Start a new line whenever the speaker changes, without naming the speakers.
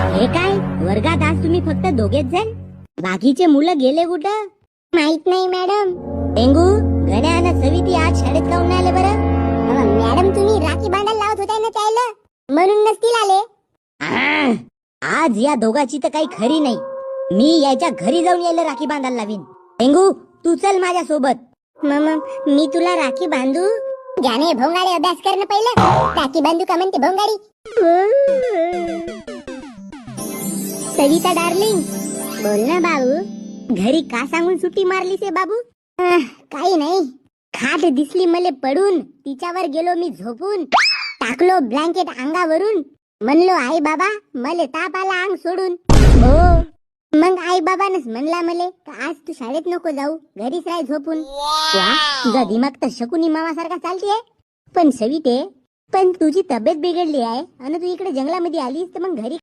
हे काय वर्गात आज तुम्ही फक्त दोघेच जण? बाकीचे मुलं गेले कुठं?
माहित नाही मॅडम.
टेंगू, गण्या आणि सविती आज शाळेत काऊन नाही आले बरं?
मॅडम तुम्ही राखी बांधायला लावत होता ना त्याला, म्हणून नसतील आले.
आज या दोघाची तर काही खरी नाही. मी याच्या घरी जाऊन यायला राखी बांधायला लावीन. टेंगू, तू चल माझ्या सोबत.
मी तुला राखी बांधू? जाणे भोंगाडे, अभ्यास करणं पहिलं. राखी बांधू का म्हणते भोंगाडी. सविता डार्लिंग, बोल ना बाबू.
घरी का सांगून सुट्टी मारलीस रे बाबू?
काही नाही.
खाट दिसली मले पडून, तिच्यावर गेलो मी झोपून.
टाकलो ब्लँकेट अंगावरून. म्हणलो आई बाबा मले ताप आला अंग सोडून.
हो,
मग आई बाबानच म्हणला मले आज तू शाळेत नको जाऊ, घरीच राह झोपून.
वा, तुझा दिमाग तर शकुनी मामासारखा चालतीये. पण सविते, पण तुझी तब्येत बिघडली आहे आणि तू इकडे जंगलामध्ये आलीस तर मग घरी